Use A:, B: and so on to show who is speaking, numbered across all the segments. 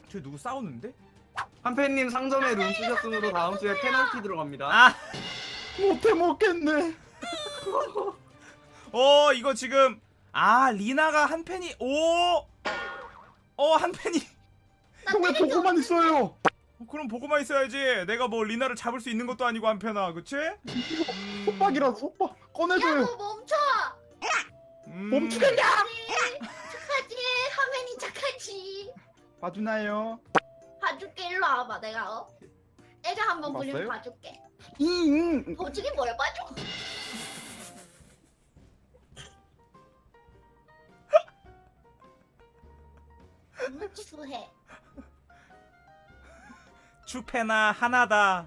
A: 저 누구 싸우는데?
B: 한팬님 상점에 룬 쓰셨으므로 다음 주에 페널티 들어갑니다.
A: 아!
C: 못해 먹겠네.
A: 이거 지금 리나가 한 팬이 한 팬이
C: 형 왜 보고만 있어요?
A: 그럼 보고만 있어야지. 내가 뭐 리나를 잡을 수 있는 것도 아니고 한 팬아, 그치?
C: 속박이라서 속박 꺼내줘요.
D: 야너 멈춰.
C: 멈추겠냐?
D: 착하지. 하면이 착하지.
C: 봐주나요?
D: 봐줄게. 일로 와봐. 내가 애가 한번
C: 봤어요?
D: 보려면 봐줄게.
C: 잉.
D: 보증이 뭘 봐줘? 추해.
A: 추패나 하나다.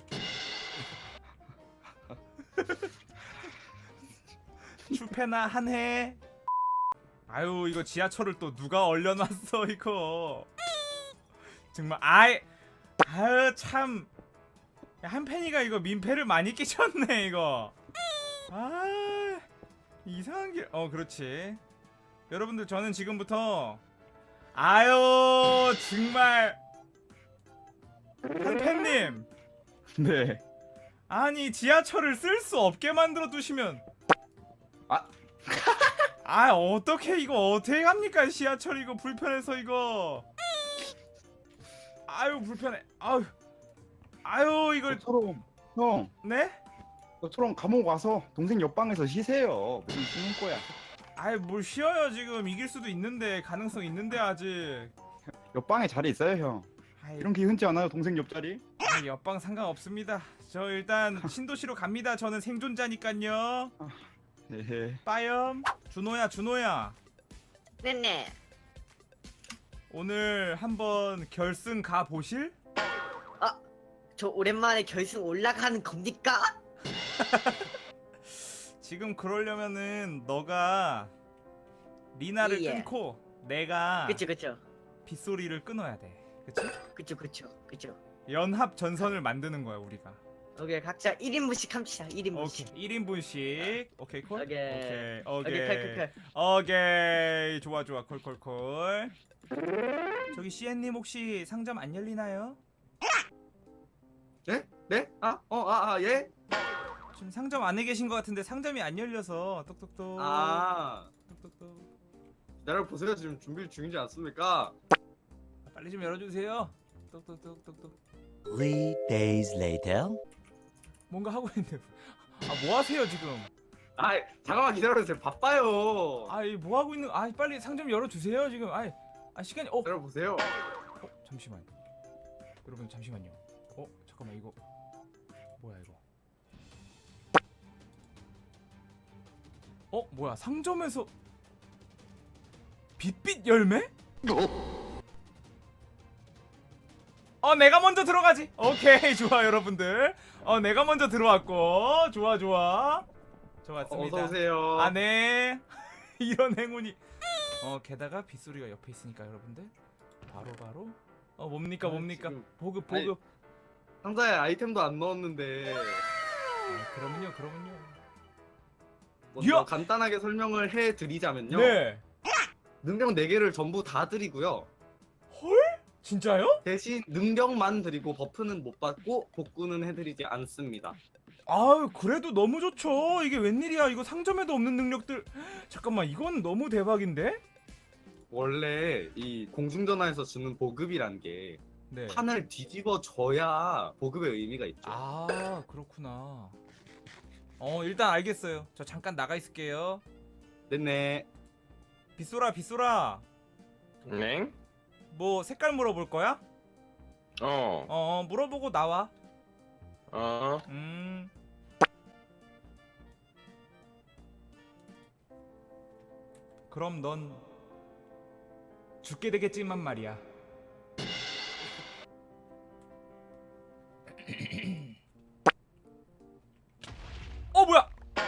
A: 추패나 한해. 아유, 이거 지하철을 또 누가 얼려놨어 이거. 정말 아유 참. 한팬이가 이거 민폐를 많이 끼쳤네 이거. 이상한 길. 그렇지. 여러분들, 저는 지금부터 정말 한팬님,
C: 네.
A: 아니 지하철을 쓸 수 없게 만들어 두시면 어떻게 이거 어떻게 합니까? 지하철 이거 불편해서 이거. 불편해. 이걸
C: 너처럼 형,
A: 네?
C: 너처럼 감옥 와서 동생 옆방에서 쉬세요. 무슨 쉬는 거야?
A: 뭘 쉬어요. 지금 이길 수도 있는데, 가능성 있는데 아직.
C: 옆방에 자리 있어요 형. 이런 게 흔치 않아요 동생 옆자리.
A: 옆방 상관없습니다. 저 일단 신도시로 갑니다. 저는 생존자니깐요.
C: 네.
A: 빠염. 준호야
D: 네네.
A: 오늘 한번 결승 가 보실?
E: 저 오랜만에 결승 올라가는 겁니까?
A: 지금 그러려면은 너가 리나를
E: 예.
A: 끊고 내가
E: 그쵸
A: 빗소리를 끊어야 돼. 그치? 연합 전선을 만드는 거야 우리가.
E: 오케이, 각자 1인분씩 합시다. 1인분씩.
A: 오케이. 1인분씩. 오케이 콜?
E: 오케이.
A: 오케이.
E: 칼.
A: 오케이. 좋아. 콜. 저기 CN님 혹시 상점 안 열리나요?
B: 네? 네? 예?
A: 지금 상점 안에 계신 것 같은데 상점이 안 열려서 똑똑똑. 똑똑똑.
B: 기다려 보세요. 지금 준비 중이지 않습니까?
A: 빨리 좀 열어주세요. 똑똑똑똑똑.
F: 3 days later.
A: 뭔가 하고 있는데. 뭐 하세요 지금?
B: 잠깐만 기다려주세요. 바빠요.
A: 뭐 하고 있는? 빨리 상점 열어주세요 지금. 시간이.
B: 기다려 보세요.
A: 잠시만. 여러분 잠시만요. 잠깐만 이거 뭐야 이거? 뭐야 상점에서 빛빛 열매? 내가 먼저 들어가지. 오케이 좋아 여러분들. 내가 먼저 들어왔고 좋아. 좋았습니다.
B: 어서 오세요.
A: 네. 이런 행운이. 게다가 빗소리가 옆에 있으니까 여러분들 바로 뭡니까?
B: 지금-
A: 보급.
B: 상자에 아이템도 안 넣었는데
A: 그러면요.
B: 먼저
A: 이야!
B: 간단하게 설명을 해드리자면요.
A: 네.
B: 능력 4개를 전부 다 드리고요.
A: 진짜요?
B: 대신 능력만 드리고 버프는 못 받고 복구는 해드리지 않습니다.
A: 그래도 너무 좋죠. 이게 웬일이야? 이거 상점에도 없는 능력들. 잠깐만, 이건 너무 대박인데?
B: 원래 이 공중전화에서 주는 보급이란 게
A: 네.
B: 판을 뒤집어 줘야 보급의 의미가 있죠.
A: 그렇구나. 일단 알겠어요. 저 잠깐 나가 있을게요.
B: 네네.
A: 빗소라.
G: 네?
A: 뭐 색깔 물어볼 거야? 물어보고 나와. 그럼 넌 죽게 되겠지만 말이야. 뭐야?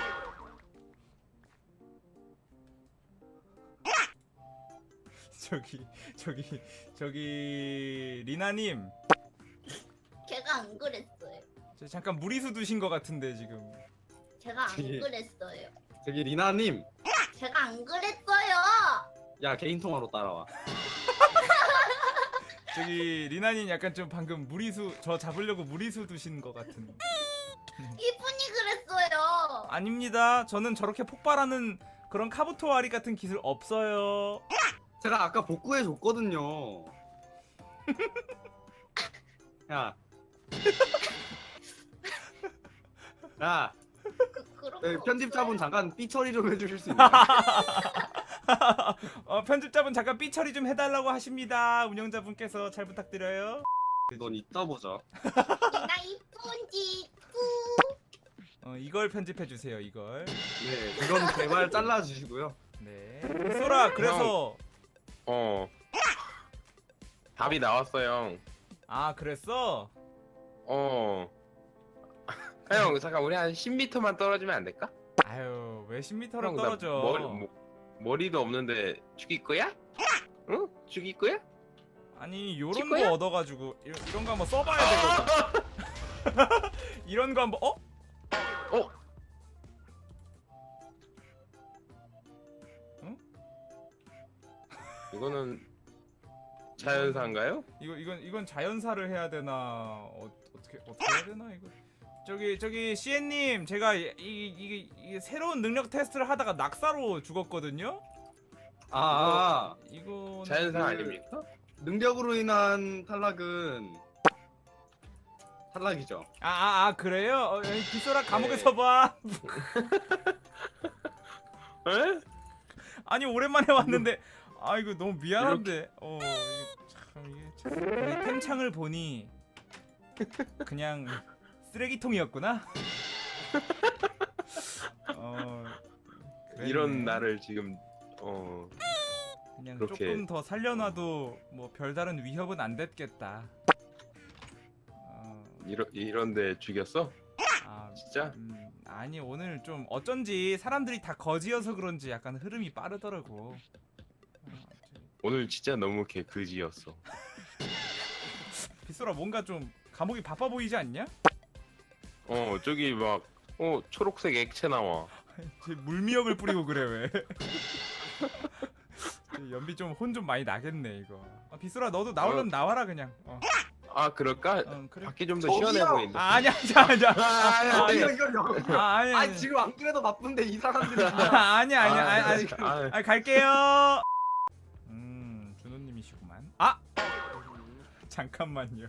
A: 저기 리나님,
D: 제가 안 그랬어요.
A: 저 잠깐 무리수 두신 것 같은데 지금.
D: 제가 안
B: 저기-
D: 그랬어요.
B: 저기 리나님,
D: 제가 안 그랬어요.
B: 야 개인 통화로 따라와.
A: 저기 리나님 약간 좀 방금 무리수 저 잡으려고 무리수 두신 것 같은.
D: 이분이 그랬어요.
A: 아닙니다. 저는 저렇게 폭발하는 그런 카부토와리 같은 기술 없어요.
B: 제가 아까 복구해 줬거든요. 야. 야,
D: 그런
B: 네,
D: 거
B: 편집자분
D: 없어요?
B: 잠깐 삐 처리 좀 해주실 수 있나요?
A: 편집자분 잠깐 삐 처리 좀 해달라고 하십니다. 운영자분께서 잘 부탁드려요.
B: 넌 이따 보자.
D: 나 이쁜지.
A: 이걸 편집해 주세요. 이걸.
B: 네, 이건 제발 잘라주시고요.
A: 네. 소라 그래서
G: 답이 나왔어요.
A: 아 그랬어?
G: 형 잠깐 우리 한 10m만 떨어지면 안 될까?
A: 아유 왜 10m로
G: 형, 나
A: 떨어져?
G: 머리도 없는데 죽일 거야? 응? 죽일 거야?
A: 아니 요런
G: 찍고요?
A: 거 얻어가지고 이런 거 한번 써봐야 되거든. 이런 거 한번
G: 이거는 자연사인가요?
A: 이건 자연사를 해야 되나 어떻게 해야 되나 이거. 저기 CN님 제가 이 새로운 능력 테스트를 하다가 낙사로 죽었거든요. 이거
G: 자연사 아닙니까?
B: 능력으로 인한 탈락은 탈락이죠.
A: 그래요? 빗소라 감옥에서
G: 네.
A: 봐.
G: 에?
A: 아니 오랜만에 왔는데 이거 너무 미안한데 이게 참 우리 템창을 보니 그냥 쓰레기통이었구나. 그랬네.
G: 이런 나를 지금
A: 그냥
G: 그렇게-
A: 조금 더 살려놔도 뭐 별다른 위협은 안 됐겠다.
G: 이런데 죽였어?
A: 아,
G: 진짜?
A: 아니 오늘 좀 어쩐지 사람들이 다 거지여서 그런지 약간 흐름이 빠르더라고.
G: 오늘 진짜 너무 개그지였어.
A: 빗소라 뭔가 좀 감옥이 바빠 보이지 않냐?
G: 저기 막 초록색 액체 나와.
A: 쟤 물미역을 뿌리고 그래 왜? 연비 좀 혼 좀 많이 나겠네 이거. 빗소라 너도 나오려면 나와라 그냥.
G: 아 그럴까?
A: 그래.
G: 밖이 좀 더
B: 저기요!
G: 시원해 보인다.
A: 아니야.
B: 아니,
A: 아니
B: 지금 안 그래도 바쁜데 이 사람들이
A: 아니 갈게요. 준호님이시구만. 잠깐만요.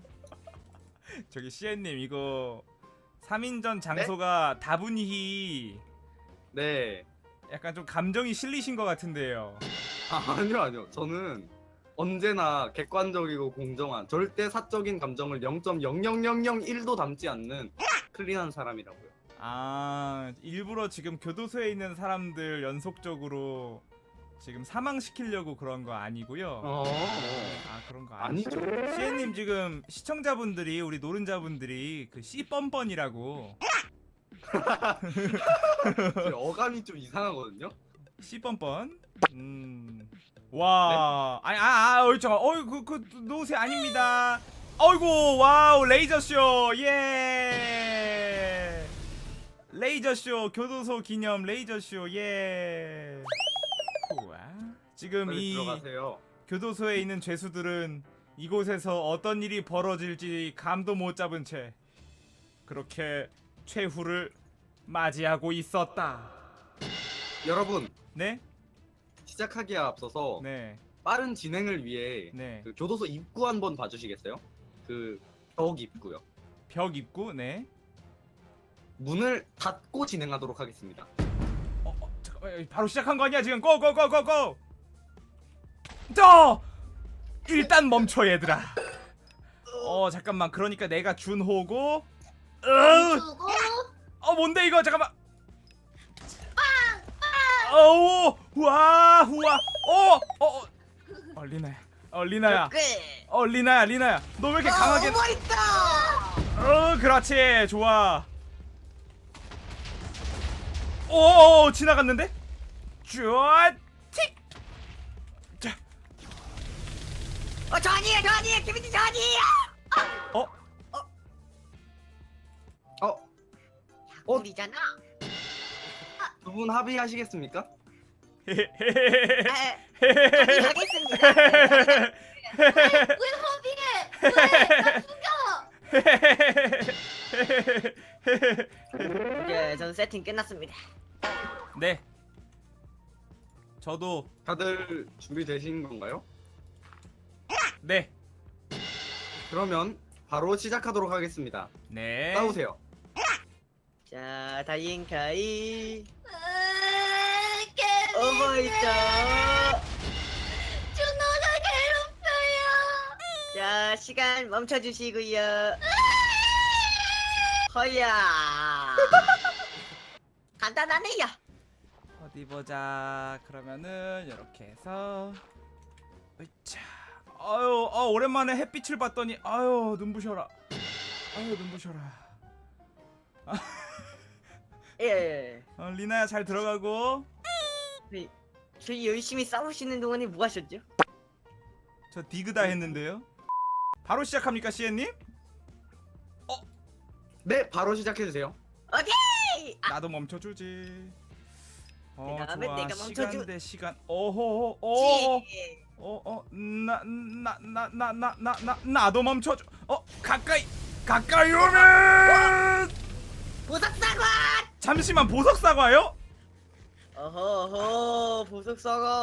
A: 저기 CN님 이거 3인전 장소가 다분히
B: 네.
A: 약간 좀 감정이 실리신 것 같은데요.
B: 아니요. 저는 언제나 객관적이고 공정한 절대 사적인 감정을 0.00001도 담지 않는 클린한 사람이라고요.
A: 일부러 지금 교도소에 있는 사람들 연속적으로 지금 사망시키려고 그런 거 아니고요. 그런 거 아니죠.
B: 아니죠.
A: CN님 지금 시청자분들이 우리 노른자분들이 그 C뻔뻔이라고
B: 어감이 좀 이상하거든요.
A: C뻔뻔. 와. 아니 잠깐. 그 노세 아닙니다. 어이구 와우 레이저쇼 예. 레이저쇼 교도소 기념 레이저쇼 예. 우와. 지금
B: 빨리
A: 이
B: 들어가세요.
A: 교도소에 있는 죄수들은 이곳에서 어떤 일이 벌어질지 감도 못 잡은 채 그렇게 최후를 맞이하고 있었다.
B: 여러분,
A: 네?
B: 시작하기에 앞서서
A: 네.
B: 빠른 진행을 위해
A: 네.
B: 그 교도소 입구 한번 봐주시겠어요? 그 벽 입구요.
A: 벽 입구. 네.
B: 문을 닫고 진행하도록 하겠습니다.
A: 잠깐만. 바로 시작한 거 아니야 지금? 고고고고고. 일단 멈춰 얘들아. 잠깐만. 그러니까 내가 준호고.
D: 주고
A: 뭔데 이거? 잠깐만. 어우, 우와. 리나야. 리나야. 너 왜 이렇게 강하게?
E: 오버 있다.
A: 그렇지. 좋아. 오, 지나갔는데? 쭈아 틱. 자.
E: 저 아니에요. 김민지 저 아니에요. 우리잖아.
B: 두 분 합의하시겠습니까?
E: 하겠습니다.
D: 왜
E: 세팅 끝났습니다.
A: 네. 저도
B: 다들 준비되신 건가요?
A: 네.
B: 그러면 바로 시작하도록 하겠습니다.
A: 네.
B: 싸우세요.
E: 자, 다인카이
D: 개미.
E: 오버있죠.
D: 준호가 괴롭혀요.
E: 자, 시간 멈춰주시고요. 허야. 간단하네요.
A: 어디 보자. 그러면은 이렇게 해서 으차. 아유, 오랜만에 햇빛을 봤더니 아유, 눈부셔라. 아유, 눈부셔라.
E: 예.
A: 리나야 잘 들어가고.
E: 저희 열심히 싸우시는 동안에 뭐 하셨죠?
A: 저 디그다 했는데요. 바로 시작합니까, 시엔님?
B: 네, 바로 시작해주세요.
E: 오케이.
A: 나도 멈춰주지.
E: 그다음에
A: 좋아.
E: 내가 멈춰주-
A: 시간 대 시간. 오호.
E: 지.
A: 나도 멈춰줘. 가까이 오면.
E: 보석 사과.
A: 잠시만, 보석 사과요?
E: 어허, 보석 사과.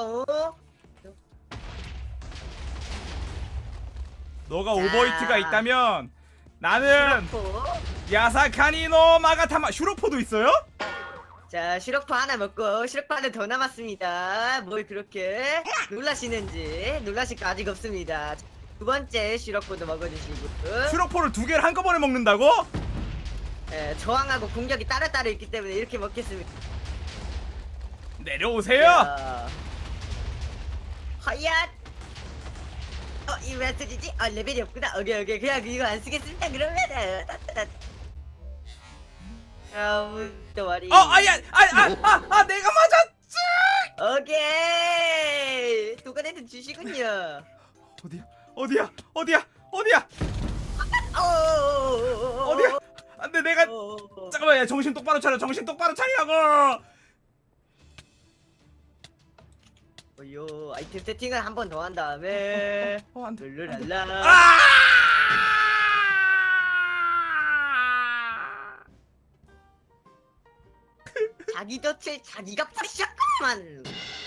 A: 너가
E: 자.
A: 오버히트가 있다면 나는 야사카니노 마가타마. 슈로포도 있어요?
E: 자, 시럽포 하나 먹고 시럽포 하나 더 남았습니다. 뭘 그렇게 놀라시는지. 놀라실 거 아직 없습니다. 두 번째 시럽포도 먹어주시고.
A: 슈로포를 두 개를 한꺼번에 먹는다고?
E: 예, 저항하고 공격이 따로따로 있기 때문에 이렇게 먹겠습니다.
A: 내려오세요.
E: 자, 허얏. 이거 왜 쓰지지? 레벨이 없구나. 오케이. 그냥 이거 안 쓰겠습니다. 그러면은. 또 말이.
A: 내가 맞았지.
E: 오케이. 도가내도 주시군요.
A: 어디야?
E: 어디야?
A: 안돼, 내가 잠깐만, 야, 정신 똑바로 차리라고.
E: 요 아이템 세팅을 한 번 더 한 다음에
A: 안돼.
E: 룰루랄라. 자기 덫을 자기가 부셨구만.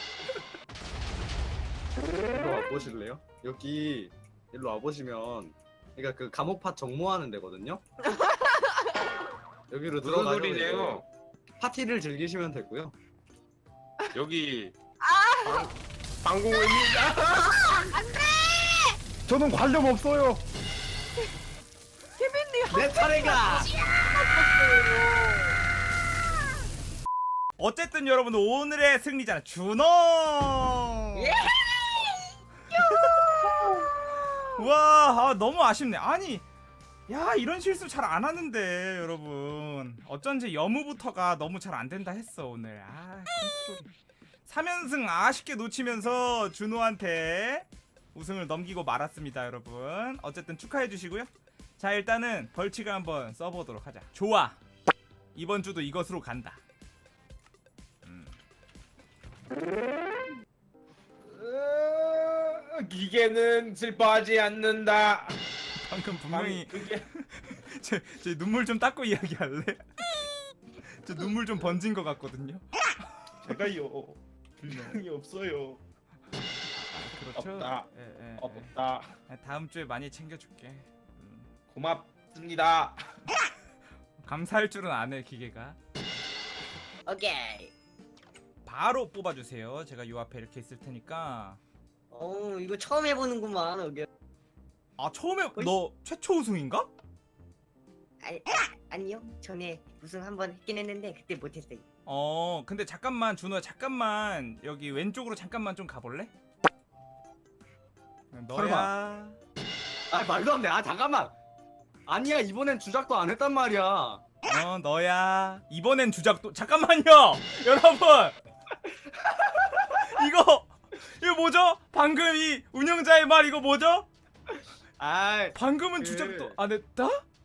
B: 일로 와보실래요? 여기 일로 와보시면 그러니까 그 감옥팟 정모하는 데거든요. 여기로
G: 무슨
B: 들어가서
G: 소리네요?
B: 파티를 즐기시면 되고요.
G: 여기 방공호입니다.
C: 저는 관련 없어요.
B: 내 차례가.
A: 어쨌든 여러분, 오늘의 승리자는 준호.
E: 예!
A: 와, 너무 아쉽네. 아니, 야, 이런 실수 잘 안 하는데 여러분. 어쩐지 여무부터가 너무 잘 안 된다 했어 오늘. 컨트롤이. 3연승 아쉽게 놓치면서 준호한테 우승을 넘기고 말았습니다, 여러분. 어쨌든 축하해 주시고요. 자, 일단은 벌칙을 한번 써보도록 하자. 좋아. 이번 주도 이것으로 간다.
H: 기계는 슬퍼하지 않는다.
A: 방금 분명히
H: 그게
A: 제 눈물 좀 닦고 이야기할래? 저 눈물 좀 번진 것 같거든요.
H: 제가요 분량이 없어요.
A: 그렇죠.
H: 없다.
A: 예.
H: 없다.
A: 다음 주에 많이 챙겨줄게.
H: 고맙습니다.
A: 감사할 줄은 아네, 기계가.
E: 오케이.
A: 바로 뽑아주세요. 제가 요 앞에 이렇게 있을 테니까.
E: 이거 처음 해보는구만. 오케이.
A: 처음에 너 최초 우승인가?
E: 아니요. 전에 우승 한번 했긴 했는데 그때 못했어요.
A: 근데 잠깐만, 준호야, 잠깐만 여기 왼쪽으로 잠깐만 좀 가볼래? 너야.
B: 말도 안 돼. 잠깐만. 아니야, 이번엔 주작도 안 했단 말이야.
A: 너야. 이번엔 주작도. 잠깐만요, 여러분. 이거 뭐죠? 방금 이 운영자의 말 이거 뭐죠? 방금은 주작도 안 했다?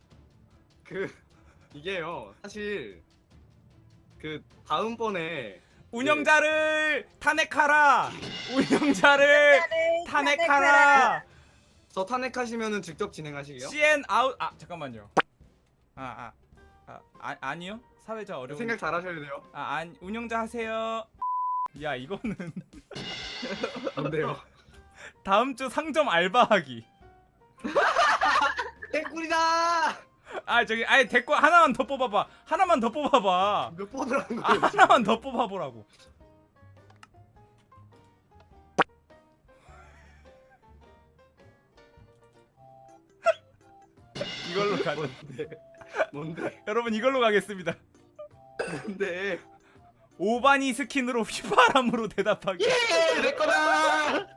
B: 이게요. 사실 그 다음번에
A: 운영자를 탄핵하라. 운영자를 탄핵하라.
B: 저 탄핵하시면은 직접 진행하시게요?
A: CN 아웃. 잠깐만요. 아니요. 사회자 어려운.
B: 생각 잘 하셔야 돼요.
A: 아니 운영자 하세요. 야 이거는
B: 뭔데요?
A: 다음 주 상점 알바하기.
B: 개꿀이다.
A: 아 저기 아예 댓글 하나만 더 뽑아봐. 하나만 더 뽑아봐.
B: 몇 번을 하는
A: 아
B: 거예요?
A: 하나만 더 뽑아보라고. 이걸로 가자.
B: 뭔데?
A: 여러분 이걸로 가겠습니다.
B: 뭔데?
A: 오바니 스킨으로 휘바람으로 대답하기.
B: 내 거다.